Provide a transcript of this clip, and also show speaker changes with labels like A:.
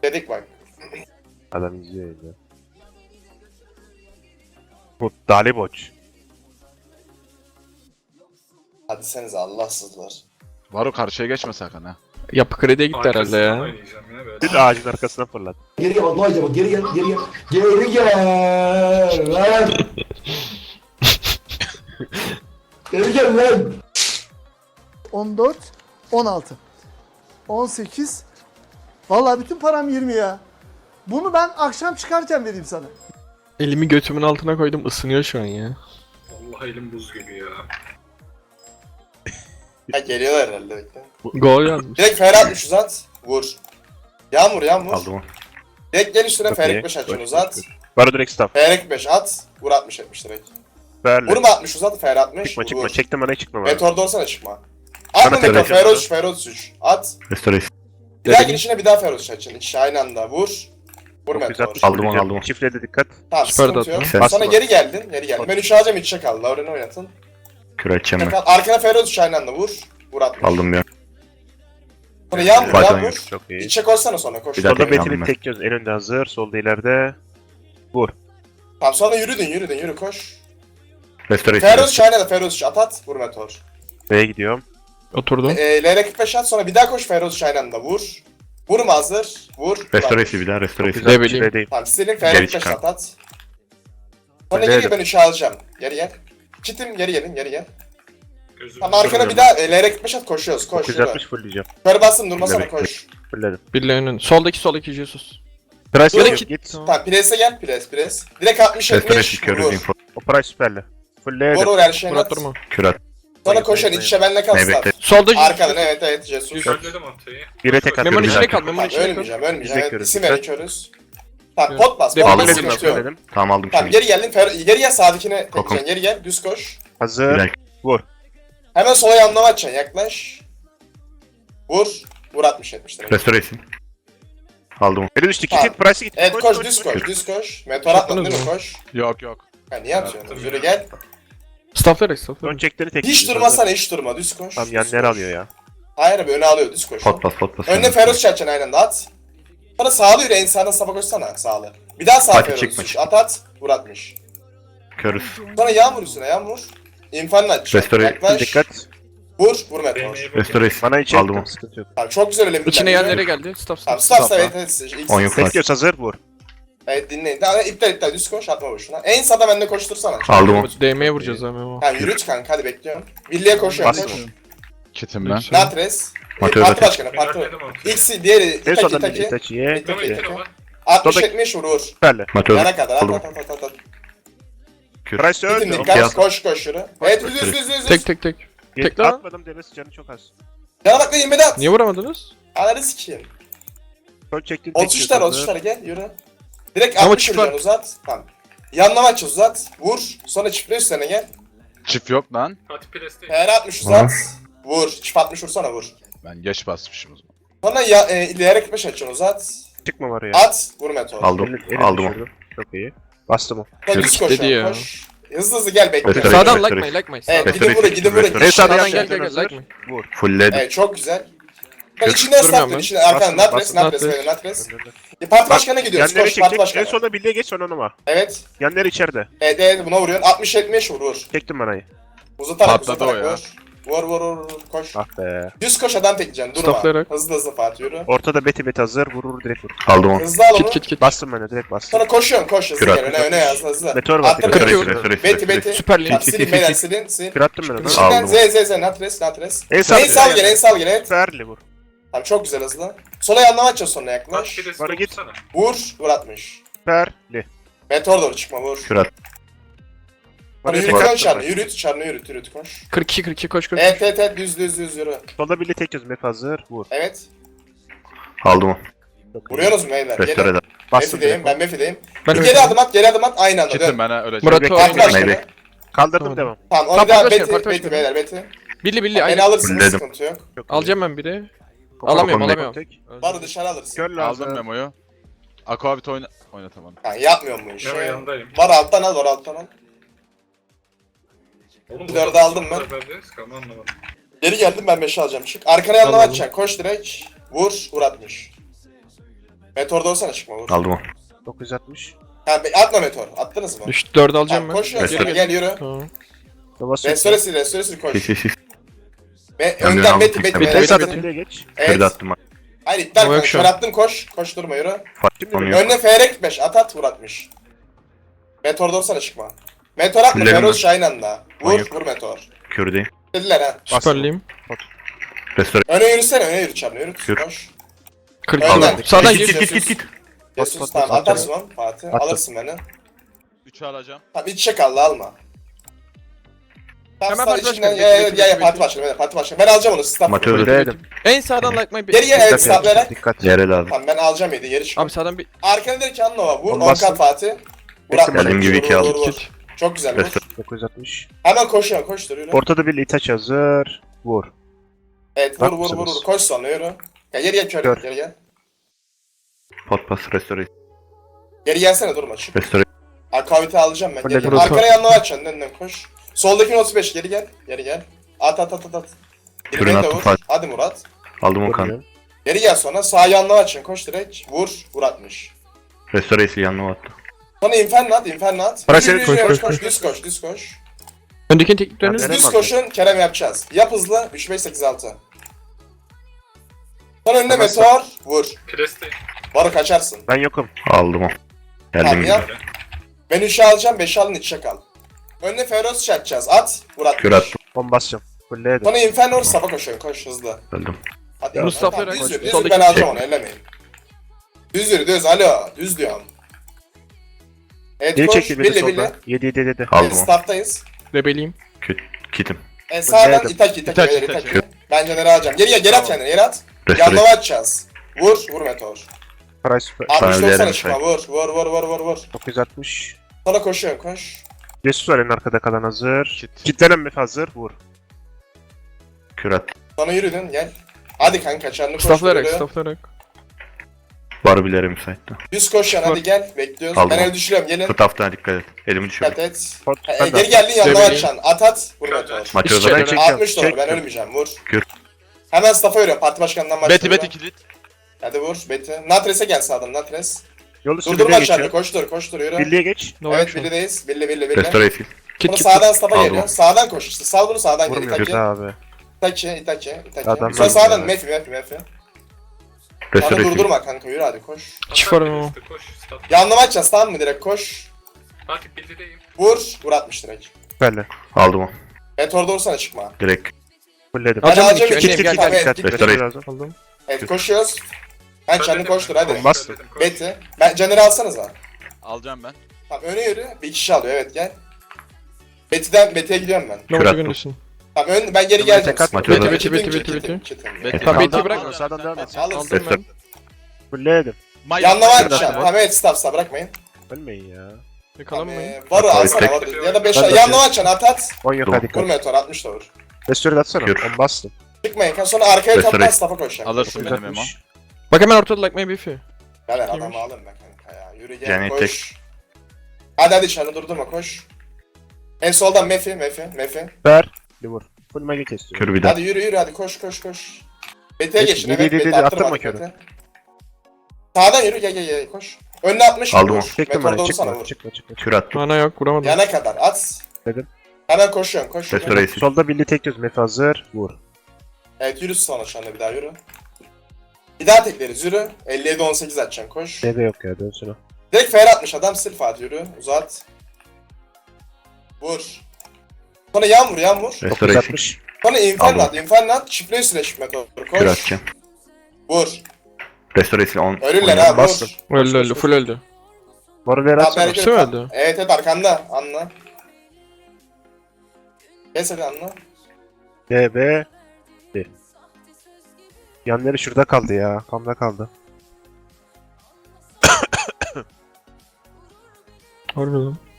A: Dedik bak.
B: Adam izliyor ya. Bu Daliboç.
A: Hadi senize Allahsızlar.
C: Varo karşıya geçme sakın ha.
D: Yapı krediye gitti herhalde ya.
E: Oynayacağım ya böyle.
B: Bir ağacın arkasına fırlat.
F: Geri gel Allah acaba geri gel geri gel. Geri gel lan. Geri gel lan.
G: 14, 16, 18. Vallahi bütün param 20 ya. Bunu ben akşam çıkarken vereyim sana.
D: Elimi götümün altına koydum, ısınıyor şu an ya.
E: Vallahi elim buz gibi ya.
A: Ha geliyorlar herhalde bekle.
D: Gol yazmış.
A: Direkt Ferhat 3 uzat. Vur. Yağmur yağmur.
B: Aldım o.
A: Direkt gel üstüne
B: Çok
A: Ferik
B: iyi.
A: 5 açın
B: Çok
A: uzat.
B: iyi. Varo direkt staff.
A: Ferik 5 at. Vur 60 etmiş direkt.
B: Verle.
A: Vurma 60 uzat Fer 60.
B: Çıkma
A: vur,
B: çıkma.
A: vur.
B: Çektim bana çıkma bana.
A: Meteor olsana çıkma. Atma
B: Bana
A: Meteor.
B: tekrar
A: Feroz 3 Feroz 3. At.
F: Restoration.
A: Bir daha girişine bir daha Feroz açın. İkisi aynı anda vur. Vur Meteor.
B: 960
F: Aldım onu,
B: vuracağım.
F: aldım onu.
B: Çiftlede dikkat.
A: Tamam
D: Süper
A: sıkıntı
D: dağıtma.
A: yok.
F: Sen-
A: Sonra
B: Basma.
A: geri geldin. Geri geldin. Ben 3 alacağım 3 çek al. Lauren'i oynatın.
F: Küre edeceğim ben.
A: Çek al. Arkana Feroz 3 aynı anda vur. Vur 60.
F: Aldım bir an.
A: Sonra yağmur
F: Faydalan
A: yağmur.
F: yok.
B: Çok iyi.
A: İç çek olsana sonra koş.
F: Bir daha
B: Solda
F: tekrar aldım
B: Betty'nin
F: ben.
B: tek göz en önde hazır. Solda ileride.
A: Tamam sonra yürü koş.
F: Restoration.
A: Feroz 3 aynı anda Feroz 3 at. Vur Meteor.
B: B'ye gidiyorum.
D: Oturdum.
A: LR45 at sonra bir daha koş Feroz 3 aynı anda vur. Vurma hazır. Vur.
F: Restoration bir daha restoration.
D: Ne bileyim.
B: B'deyim.
A: Tamam silin
F: Geri
A: Feroz 5
F: çıkar.
A: at. Sonra
B: Nerede?
A: geri ben 3'ü alacağım. Geri gel. Çitim geri gelin geri gel.
E: Gözüm
A: Tamam arkana bir daha LR45 at koşuyoruz koş.
B: 960 fullleyeceğim.
A: Yukarı bastın durmasana
F: Bekle.
A: koş.
B: Fullledim.
D: Birle önün. Soldaki Jesus.
B: Price
A: Direkt
B: yok,
A: git.
B: git.
A: Tamam pres'e gel pres. Direkt 60
F: Restoration
A: 70
F: körüz
A: vur.
F: info.
B: O price süperli. Fullledim.
A: Vur her şeyini
D: Murat
A: at.
D: durma.
F: Küre at.
A: Sonra koşan iç içe benle
F: Ne
A: kalsın.
F: bekle.
D: Solda Jesus.
A: Arkadan evet Jesus.
E: Halledim haftayı.
B: Bire tek atıyorum.
D: Memo'nun
B: bir
D: içine
B: dakika.
D: kal. Memo'nun
A: Tamam
D: içine kal.
A: ölmeyeceğim.
B: Biz de
A: Evet,
B: körüz.
A: isim
B: Dikkat.
A: verin körüz. Tamam pot bas.
D: Devam
A: Pot bas
D: edelim,
A: sıkıntı yok.
B: Fulledim.
F: Tamam aldım
A: Tamam
F: şimdi.
A: geri geldin. Geri gel sağdakine
F: Kokum.
A: tekeceksin. Geri gel düz koş.
F: Bir
B: Hazır.
F: dakika.
A: Hemen sola yanlama açacaksın yaklaş. Vur. Vur 60 70 direkt.
F: Restoration. Aldım onu.
B: Beni düştü.
A: Tamam.
B: Git. Price'e git.
A: Evet koş düz koş düz koş. Meteor atmadın değil mi koş.
C: Yok yok.
A: Ha niye atıyorsun? Yürü gel.
D: Stafflayarak
B: Ön
D: stafflayarak.
B: çekleri tek.
A: Hiç durmasana hiç durma düz koş.
B: Tam
A: düz
B: yan yer
A: koş.
B: alıyor ya.
A: Hayır abi öne alıyor düz koş.
F: Pot bas.
A: Önüne Feroz çarçan aynen de at. Sonra sağlı yürü en sağdan sağa koşsana sağlı. Bir daha sağ
F: Hadi
A: Feroz.
F: çıkma,
A: Düz.
F: çıkma.
A: At vur 60.
F: Körüz.
A: Sonra yağmur üstüne yağmur. İnfanla aç.
F: Restore-
A: Yaklaş.
B: Dikkat.
A: Vur meteor.
F: Restoration.
B: Bana içe
F: Aldım
B: ettim.
F: onu.
B: Sıkıntı yok.
A: Tamam çok güzel öyle bir
D: İçine
A: tane.
D: yerlere geldi. Staff
A: Tamam
D: staff.
A: stop evet. İlk
F: 10 yok.
B: Bekliyoruz hazır vur.
A: Evet dinleyin. Tamam iptal düz koş atma boşuna. En sağda bende koştursana.
F: Aldım onu.
D: DM'ye vuracağız ha Memo.
A: Tamam yürüt kanka hadi bekliyorum. Birliğe koşuyorum
B: Bas.
A: koş.
C: Kitim ben.
A: Natres.
F: Mateo
A: Parti
F: zaten.
A: başkanı
E: Ben
A: parti.
E: halledim haftayı.
A: X'i diğeri
B: En
A: Itaki
B: sonunda
A: Itaki.
B: Itachi'ye.
E: Tamam
A: Itaki.
E: yeter ama.
A: 60
B: Dodak-
A: 70 vurur.
B: Süperli.
F: Mateo
A: Yana kadar
F: aldım.
A: at.
B: Price
A: Bitin
B: öldü.
A: dikkat koş yürü. Evet düz.
D: Tek. Tek lan.
B: Atmadım devesi canı çok az.
A: Yana bak da 20 at.
D: Niye vuramadınız?
A: Ananı sikeyim.
B: Ön çektin tek
A: 33
B: göz
A: tane
B: hazır.
A: 33 tane gel yürü. Direkt
D: Ama
A: 60
D: çift
A: vuracaksın uzat. Tamam. Yanlama aç uzat. Vur. Sonra çiftle üstüne gel.
C: Çift yok lan.
E: Hadi preste.
A: PR 60 uzat. Vur. Çift 60 vursana vur.
C: Ben geç basmışım o zaman.
A: Sonra ileri 45 açın uzat.
B: Çıkma var ya.
A: At. Vur meteor.
F: Aldım.
B: Elini
F: Aldım onu.
B: düşürdüm. Çok iyi. Bastım o.
A: Sonra düz koş.
D: Dedi ya.
A: Koş. Hızlı gel bekle.
F: Restore-
D: Sağdan
F: Restore-
D: like me.
A: Evet
F: Restore-
A: gidin vurun.
F: Restore-
B: En sağdan
D: Sağdan
B: gel
D: gel,
B: hazır.
D: like me.
B: Vur.
F: Fullledim.
A: Evet çok güzel. Ben
F: Kırk.
A: içinden
D: Durmuyorum
A: stop
D: ben.
A: içinden arkadan
B: Bastım,
A: natres
D: bastım.
A: böyle natres. Parti başkanına gidiyoruz.
B: Yanları
A: Koş parti
B: çekecek. En
A: başkanı.
B: sonunda birliğe geç sonra onuma.
A: Evet.
B: Yanları içeride.
A: Evet buna vuruyorsun. 60 70 vur.
B: Çektim manayı.
A: Uzatarak
C: Patladı o ya.
A: vur. Vur koş.
B: Ah be.
A: Düz koş adam tekleyeceksin durma.
D: Stoplayarak.
A: Hızlı Fatih yürü.
B: Ortada beti hazır. Vurur direkt vur.
F: Aldım onu.
A: Hızlı al onu.
D: Kit.
B: Bastım ben de direkt bastım.
A: Sonra koşuyorsun koş hızlı
F: Kür
A: gel öne yaz hızlı.
B: Meteor var.
A: Attım.
B: Kırk.
F: Restoration.
D: Süper
A: Tamam,
D: Lig.
A: silin beyler silin.
B: Kür attım ben onu.
A: İçinden
F: Aldım.
A: Z natres.
B: En
A: En sağ gel evet.
B: Süperli vur.
A: Tamam çok güzel hızlı. Sola yanlama açacağız sonra
E: Hadi
A: yaklaş.
E: preste
B: Bana git.
E: vursana.
A: Vur 60.
B: Süperli.
A: Meteor doğru çıkma vur.
F: Kür at.
A: Sonra
B: Bana
A: yürüt
B: tek
A: lan
B: attım
A: çarını
B: ben.
A: yürüt koş.
D: 42 koş.
A: Evet düz yürü.
B: Solda birliğe tek göz map hazır. Vur.
A: Evet.
F: Aldım onu.
B: Çok iyi.
A: Vuruyorsunuz mu beyler?
F: Restore
A: Gelin.
F: eder.
B: Bastım
A: Mefideyim
B: direkt.
A: ben Mefideyim.
D: Ben
A: Bir geri adım at aynı anda
C: Kitim
A: dön.
C: ben ha öleceğim.
D: Murat
B: Bekle.
A: Parti
D: Oğuz.
A: başkanı.
F: Maybe.
B: Kaldırdım
F: Tamam.
B: devam.
A: Tamam onu
D: Parti
A: bir daha
D: başkanı,
A: Beti
D: parti başkanı.
A: beyler Beti.
D: Billi
A: Beni
D: aynı.
A: alırsınız
F: Fulledim.
A: sıkıntı yok.
B: Çok iyi.
D: Alacağım ben biri.
F: Kokom
D: Alamıyorum.
B: Tek.
A: Barı dışarı alırsın.
B: Kör lazım.
C: Aldım Memo'yu. Aquavit oynatamadım.
A: Yani yapmıyorum bu işi.
E: Memo yanındayım.
A: Var alttan al.
E: Oğlum
A: Bir dördü
E: burada
A: aldım ben.
E: beraberiz, kalma anlamadım.
A: Geri geldim ben 5'i alacağım çık. Arkana yanlama
D: Tamam.
A: atacaksın koş direkt. Vur 60. Meteor da olsana çıkma vur.
F: Aldım o.
B: 960.
A: Ha, atma meteor. Attınız mı?
D: Düştü 4 alacağım
A: Tamam
D: ben.
A: koşuyorsun
F: Geri
A: sonra
D: gel.
A: gel yürü.
D: Tamam.
B: Babası.
A: Restoresi koş.
F: Şiş.
A: Ve
F: Ben
A: önden
F: aldım,
A: Beti
F: tekme.
A: Beti.
D: Beti
B: Esat
D: atın.
B: birliğe geç.
F: Kürde
A: Evet.
F: attım.
A: Hayır iptal
D: Ama yok
A: koş.
D: şu
A: Kör
D: an.
A: attın koş. Koş durma yürü.
B: Şimdi
F: Onu
B: mi?
F: yok.
A: Önüne FR gitmiş. At vur atmış. Meteor da olsana çıkma. Meteor atma.
F: Fullerim
A: Feroz
F: ben.
A: Şahin anda. Vur
F: Manyak.
A: vur meteor.
F: Kürdeyim.
A: Dediler ha.
D: Süperliyim.
F: Restore.
A: Öne yürüsene öne yürü çabuk yürü.
F: Yürü.
A: Koş.
D: 40
A: Önden.
D: aldım. Sağdan
A: Git,
D: gir.
A: git.
B: Bas,
A: Jesus
B: bas,
A: tamam
B: bas,
A: atarsın lan Fatih.
B: Attım.
A: Alırsın beni.
C: 3'ü alacağım.
A: Tamam iç çek alma. Tamam
D: Hemen
A: sağ
D: parti
A: içinden
D: başkanı,
A: ya
D: bekle,
A: ya
D: bekle,
A: parti
D: bekle.
A: başkanı parti başkanı. Ben alacağım onu staff.
F: Amatör.
B: Fulledim.
D: En sağdan like my
A: Geriye evet stafflayarak.
B: Dikkat.
F: Yere lazım.
A: Tamam ben alacağım yedi yeri çık.
D: Abi sağdan bir
A: Arkana direkt Anlova vur.
B: Onu bastım.
A: 10 Fatih. Vur
B: Bekle,
A: atma.
F: geldiğim gibi iki aldım.
D: kit.
A: Çok güzel vur.
F: Restore.
B: 960.
A: Hemen koşuyorum koş dur yürü.
B: Ortada bir itaç hazır. Vur.
A: Evet
B: Bak
A: vur
B: mısınız?
A: Koş sonra yürü. Ya geri gel
B: Kör.
A: kör geri gel.
F: Pot pas restore.
A: Geri gelsene durma çık.
F: Restore.
A: Akavite alacağım ben. Geri
B: Fulledim.
A: gel. Arkana yanına açacaksın önden koş. Soldaki 35 geri gel. Geri gel. At. Geri
F: Kürünü
A: gel de
F: attım
A: vur.
F: Fatih.
A: Hadi Murat.
F: Aldım o kan.
B: Vurmuyor.
A: Geri gel sonra sağ yanına açın koş direkt. Vur atmış.
F: Restore'si yanına attı.
A: Sonra inferno at.
B: Para
A: Yürü,
B: seni
A: yürü,
D: koş,
A: yürü,
D: koş,
A: koş, düz koş.
D: Öndekinin tekniklerini
B: Ben-
A: Düz
B: Kerem
A: koşun, Kerem yapacağız. Yap hızlı, 3, 5, 8, 6. Sonra önüne
B: Tamam,
A: meteor, vur.
E: Preste.
A: Barı kaçarsın.
B: Ben yokum.
F: Aldım o.
A: Tamam
F: Geldim gibi.
A: yap. Ben 3'ü alacağım, 5'i alın, içe kal. Önüne Feroz çatacağız, at, vur atmış.
F: Kür attım.
B: Bomba basacağım. Fulledim.
A: Sonra Inferno safa koşuyorsun, koş hızlı.
F: Öldüm.
A: Hadi
D: Mustafa
A: tamam,
D: Eren
A: düz
D: koş.
A: yürü, düz
D: Soldaki
A: yürü, ben alacağım onu, ellemeyin. Düz, alo, düz diyorum. Evet
B: Geri
A: koş,
B: çekti beni
A: billi.
B: solda. 7.
F: Aldım
A: Evet,
F: o.
A: starttayız.
D: rebeliyim.
F: Kitim.
A: Sağdan
B: Nerede?
A: itaki,
C: İtaki,
A: beyler,
C: İtaki.
A: itaki. Ben Caner'i alacağım. Geri gel, at kendini, geri at.
F: Restore.
A: Yanlama atacağız. Vur meteor.
B: Price süper.
A: 60
F: ölerim
A: 90 çıkma,
F: şey.
A: vur.
B: 960.
A: Sonra koşuyorum, koş.
B: Jesus var en arkada kalan hazır.
C: Kit.
B: Kitlenen mi hazır? Vur.
F: Kür attım.
A: Sonra yürüdün, gel. Hadi kanka, çarını koş.
D: Stafflayarak
A: yürü.
D: stafflayarak.
F: Barbilere müsaitti.
A: Düz koş yani, hadi gel. Bekliyoruz.
F: Aldım.
A: Ben el düşürüyorum, gelin.
F: Staff'tan dikkat et. Elimi düşürdüm.
A: Dikkat et.
B: Pot.
A: Ha, geri geldin yanına
D: Demeyin.
A: açan. At. Vur meteor.
F: Maçı
D: İşte-
F: özel.
B: Ben çekeceğim.
A: 60 doğru, ben
B: çektim.
A: ölmeyeceğim, vur.
F: Kür.
A: Hemen staff'a yürüyorum, parti başkanından başlıyorum.
C: Beti kilit.
A: Hadi vur, Beti. Natres'e gel sağdan, Natres.
B: Yolu üstü
A: Durdurma
B: birliğe
A: çarını,
B: geçiyor.
A: koştur, yürü.
B: Birliğe geç.
D: No
A: Evet,
D: action.
A: birlideyiz. Billi.
F: Restore sil.
D: Kit
A: Bunu
D: kit.
A: sağdan staff'a
F: Aldım.
A: geliyor. Sağdan koş işte. Sal bunu sağdan gel.
B: Vurmuyor
A: İtaki.
B: abi.
A: İtaki.
B: Adamlar
A: Sonra sağdan
B: ya.
A: Mefi. Bana
F: Restore sil.
A: durdurma kanka, yürü hadi koş.
D: Çift var mı?
E: Koş. Stat.
A: Yanlama açacağız tamam mı, direkt koş.
E: Fatih bildideyim.
A: Vur atmış direkt.
B: Süperle.
F: Aldım o.
A: Meteorda olsana çıkma.
F: Direkt.
B: Fulledim.
A: Ben
D: Alacağım
A: alacağım
D: iki.
A: iki.
D: Önleyim, gel
A: Tamam,
D: gel.
A: evet,
B: Dikkat.
A: git.
F: Restore.
B: lazım.
D: Aldım.
A: Evet koşuyoruz. Ben çarını koştur hadi.
B: Bas.
A: Beti. Ben Caner'i alsanıza.
C: Alacağım ben.
A: Tamam öne yürü. Bir kişi alıyor evet gel. Beti'ye gidiyorum ben.
D: Ne
F: Kür
D: olacak
F: attım.
D: öndesin?
A: Tamam ben geri
B: Tamam,
A: geleceğim.
B: tek at.
F: Maçı
A: Beti,
F: özel.
A: Beti,
D: Beti,
A: Beti,
D: Beti,
A: Beti,
D: Beti.
A: Beti.
C: Beti.
D: Tamam, Beti'yi
C: Aldım,
D: bırak.
C: aldım.
B: Sağdan devam et.
A: Alırsın.
D: Aldım
F: Restore.
D: ben.
B: Fulledim.
A: Yanlama
B: Bırak.
A: açacağım. Tamam evet staff bırakmayın.
B: Ölmeyin ya.
D: Yakalanmayın.
A: Varı
F: Tabii,
A: alsana
F: tek-
A: varı. Ya da 5
B: Ben de
A: yanlama açacaksın at.
B: 10 yok
F: Tamam.
B: hadi.
A: Vur meteor 60 da vur.
B: Restore atsana.
F: Kür.
B: 10 bastım.
A: Çıkmayın. Sonra arkaya
F: Restore.
A: toplan staff'a koşacak.
C: Alırsın benim Memo.
B: 960.
D: Bak hemen ortada like my beef'i.
A: Beyler
D: Kimmiş?
A: adamı alın be kanka ya. Yürü gel
F: Yani
A: koş. Hadi çarını durdurma koş. En soldan Mefi.
B: Ver. Bir vur. Full magi kesiyor.
F: Kür bir daha.
A: Hadi yürü hadi koş. Beti'ye
B: Geç,
A: geçin.
B: dedi,
A: Evet
B: dedi,
A: Beti
B: attırma
A: attırma
B: körü.
A: Beti. Sağdan yürü gel koş. Önüne 60
F: Aldım
A: vur.
F: onu.
B: Çektim
A: Meteorda
B: bana.
A: olsana
B: Çıkma.
A: vur.
B: Çıkma.
F: Kür attım.
D: Mana yok vuramadım.
A: Yana kadar at.
B: Dedim.
A: Hemen koşuyorum koş.
F: Restore sil.
B: Solda birliği tek göz. Mef hazır. Vur.
A: Evet yürü sonra şu anda bir daha yürü. Bir daha tekleriz yürü. 57-18 atacaksın koş.
B: DB yok ya. Dönsün o.
A: Direkt fair atmış adam sil Fatih yürü. Uzat. Vur. Sonra yan vur.
F: Restore sil.
B: 960.
A: Sonra
F: Aldım.
A: inferno at. Çiftliği süreç meteor.
F: Kür
A: Koş.
F: atacağım.
A: Vur.
F: Restore sil. 10.
A: Ölürler ha
B: Bastım.
A: vur.
D: Öldü full öldü.
B: Moru ver
A: Tamam,
B: atsana.
A: hareket
D: Hepsi mi
A: et.
D: öldü?
A: Evet arkanda anla. Kes hadi anla.
B: DB. Yanları şurada kaldı ya. Kamda kaldı.
D: Harbi lan.